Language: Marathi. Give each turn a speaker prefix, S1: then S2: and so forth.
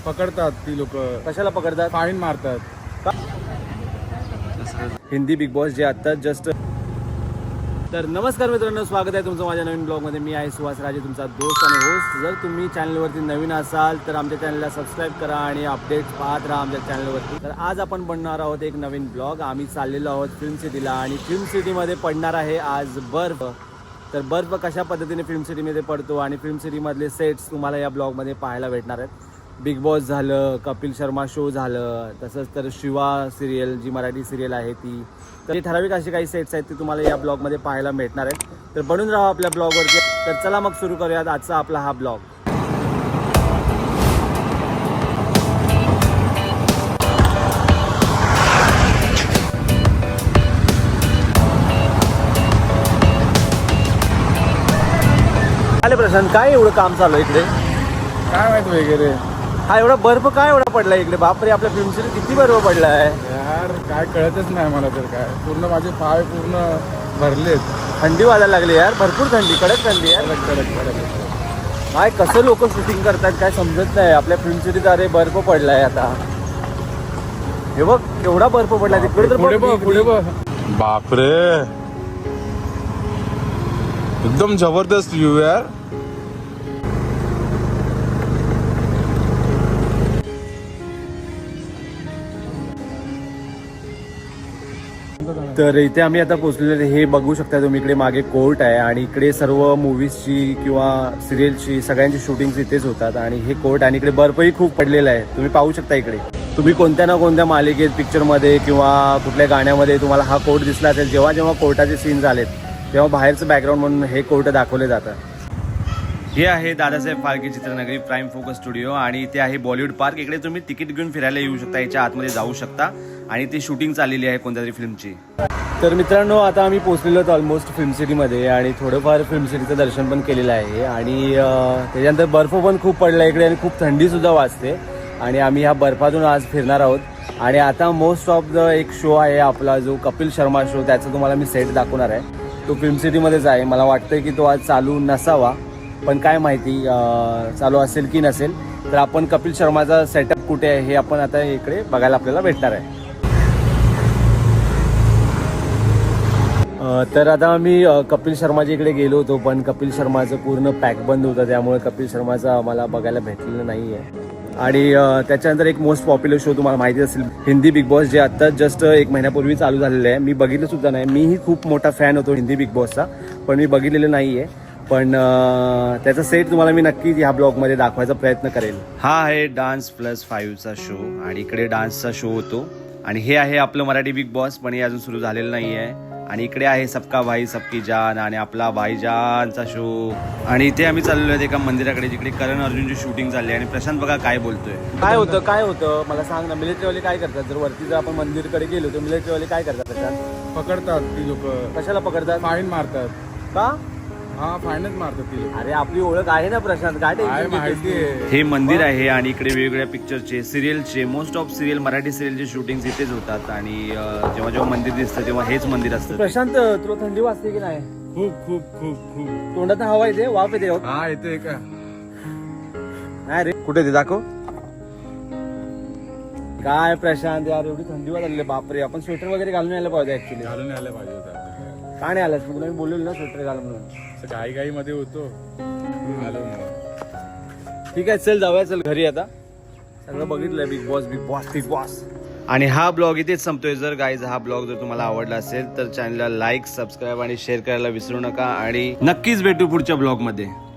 S1: पकडतात ती लोक.
S2: कशाला पकडतात?
S1: फाईन मारतात.
S2: हिंदी बिग बॉस जे आता जस्ट. तर नमस्कार मित्रांनो, स्वागत आहे तुमचं माझ्या नवीन ब्लॉगमध्ये. मी आहे सुहास राजे, तुमचा दोस्त आणि होस्ट. जर तुम्ही चॅनलवरती नवीन असाल तर आमच्या चॅनलला सबस्क्राईब करा आणि अपडेट्स पाहत राहा आमच्या चॅनलवरती. तर आज आपण बनणार आहोत एक नवीन ब्लॉग. आम्ही चाललेलो आहोत फिल्म सिटीला आणि फिल्म सिटीमध्ये पडणार आहे आज बर्फ. तर बर्फ कशा पद्धतीने फिल्म सिटीमध्ये पडतो आणि फिल्म सिटीमधले सेट्स तुम्हाला या ब्लॉगमध्ये पाहायला भेटणार आहेत. बिग बॉस झालं, कपिल शर्मा शो झालं, तसंच तर Shiva serial Zee Marathi serial आहे ती. तर ठराविक असे काही सेट्स आहेत ते तुम्हाला या ब्लॉगमध्ये पाहायला भेटणार आहेत. तर बनून राहा आपल्या ब्लॉगवरती. तर चला मग सुरू करूयात आजचा आपला हा ब्लॉग. आले प्रशांत, काय एवढं काम चालू आहे इकडे?
S1: काय माहित वगैरे.
S2: हा एवढा बर्फ काय एवढा पडला इकडे? बापरे, आपल्या फिल्म सिटी किती बर्फ पडला आहे
S1: यार, काय कळतच नाही मला तर. काय पूर्ण माझे पाय पूर्ण भरलेत.
S2: थंडी वाजायला लागली यार, भरपूर थंडी, कडक थंडी आहे.
S1: कडक कडक कडक.
S2: काय कसं लोक शूटिंग करतात काय समजत नाही आपल्या फिल्म सिटीत. अरे बर्फ पडलाय आता, हे बघ केवढा बर्फ पडलाय तिकडे. तर
S1: पुढे बघ, पुढे बघ.
S3: बापरे, एकदम जबरदस्त व्ह्यू यार.
S2: तर इथे आम्ही आता पोहोचलेले. हे बघू शकता तुम्ही, इकडे मागे कोर्ट आहे आणि इकडे सर्व मूवीजची किंवा सिरियलची सगळ्यांची शूटिंग इथेच होतात. आणि हे कोर्ट आणि इकडे बर्फही खूप पडलेला आहे, तुम्ही पाहू शकता. इकडे तुम्ही कोणत्या ना कोणत्या मालिकेत, पिक्चरमध्ये किंवा कुठल्या गाण्यामध्ये तुम्हाला हा कोर्ट दिसला असेल. जेव्हा जेव्हा कोर्टाचे सीन झालेत तेव्हा बाहेरचं बॅकग्राऊंड म्हणून हे कोर्ट दाखवले जातात. हे आहे Dadasaheb Phalke Chitranagari Prime Focus studio आणि इथे आहे बॉलिवूड पार्क. इकडे तुम्ही तिकीट घेऊन फिरायला येऊ शकता, याच्या आतमध्ये जाऊ शकता आणि ती शूटिंग चाललेली आहे कोणत्या तरी फिल्मची. तर मित्रांनो, आता आम्ही पोहोचलेलो आहोत ऑलमोस्ट फिल्म सिटीमध्ये आणि थोडंफार फिल्म सिटीचं दर्शन पण केलेलं आहे. आणि त्याच्यानंतर बर्फ पण खूप पडला इकडे आणि खूप थंडीसुद्धा वाजते. आणि आम्ही ह्या बर्फातून आज फिरणार आहोत. आणि आता मोस्ट ऑफ द एक शो आहे आपला जो कपिल शर्मा शो, त्याचा तुम्हाला मी सेट दाखवणार आहे. तो फिल्म सिटीमध्येच आहे. मला वाटतं की तो आज चालू नसावा, पण काय माहिती चालू असेल की नसेल. तर आपण कपिल शर्माचा सेटअप कुठे आहे हे आपण आता इकडे बघायला आपल्याला भेटणार आहे. तर आता आम्ही कपिल शर्माच्या इकडे गेलो होतो, पण कपिल शर्माचं पूर्ण पॅक बंद होतं, त्यामुळे कपिल शर्माचं आम्हाला बघायला भेटलेलं नाही आहे. आणि त्याच्यानंतर एक मोस्ट पॉप्युलर शो तुम्हाला माहिती असेल, हिंदी बिग बॉस, जे आत्ता जस्ट एक महिन्यापूर्वी चालू झालेलं आहे. मी बघितलं सुद्धा नाही. मीही खूप मोठा फॅन होतो हिंदी बिग बॉसचा, पण मी बघितलेलं नाही आहे. पण त्याचा सेट तुम्हाला मी नक्कीच ह्या ब्लॉगमध्ये दाखवायचा प्रयत्न करेल. हा आहे Dance+5चा शो आणि इकडे डान्सचा शो होतो. आणि हे आहे आपलं मराठी बिग बॉस, पण हे अजून सुरू झालेलं नाही आहे. आणि इकडे आहे सबका भाई सबकी जान आणि आपला भाईजानचा शो. आणि इथे आम्ही चाललेलो आहे एका मंदिराकडे जिकडे करण अर्जुनची शूटिंग चालली आहे. आणि प्रशांत बघा काय बोलतोय. काय होतं मला सांग ना. मिलिटरीवाले काय करतात? जर वरती जर आपण मंदिरकडे गेलो तर मिलिटरीवाले काय करतात? प्रशांत,
S1: पकडतात ती लोक.
S2: कशाला पकडतात?
S1: फाईन मारतात.
S2: का?
S1: हा, फाईनच मारतात ती लोक.
S2: अरे आपली ओळख आहे ना प्रशांत, काय
S1: माहिती आहे.
S2: हे मंदिर आहे आणि इकडे वेगवेगळ्या पिक्चरचे, सिरियलचे, मोस्ट ऑफ सिरियल मराठी सिरियलचे शूटिंग इथेच होतात. आणि जेव्हा जेव्हा मंदिर दिसतं तेव्हा हेच मंदिर असतं. प्रशांत, तुला थंडी वाजते की नाही?
S1: खूप खूप खूप खूप.
S2: तोंडात हवा येते, वाफ येते.
S1: हा, येते का?
S2: नाही रे, कुठे ते दाखव. काय प्रशांत यार, एवढी थंडी वाजली. बापरे, आपण स्वेटर वगैरे घालून यायला पाहिजे. ऍक्च्युली
S1: घालून यायला पाहिजे होतं.
S2: का नाही आलास? तुला मी बोललेलो ना स्वेटर घाल म्हणून.
S1: घाई मध्ये होतो.
S2: ठीक आहे, चल जाऊया, चल घरी. आता सगळं बघितलंय, Bigg Boss Bigg Boss Bigg Boss. आणि हा ब्लॉग इथेच संपतोय. जर गाईज हा ब्लॉग जर तुम्हाला आवडला असेल तर चॅनलला लाईक, सबस्क्राईब आणि शेअर करायला विसरू नका. आणि नक्कीच भेटू पुढच्या ब्लॉग मध्ये.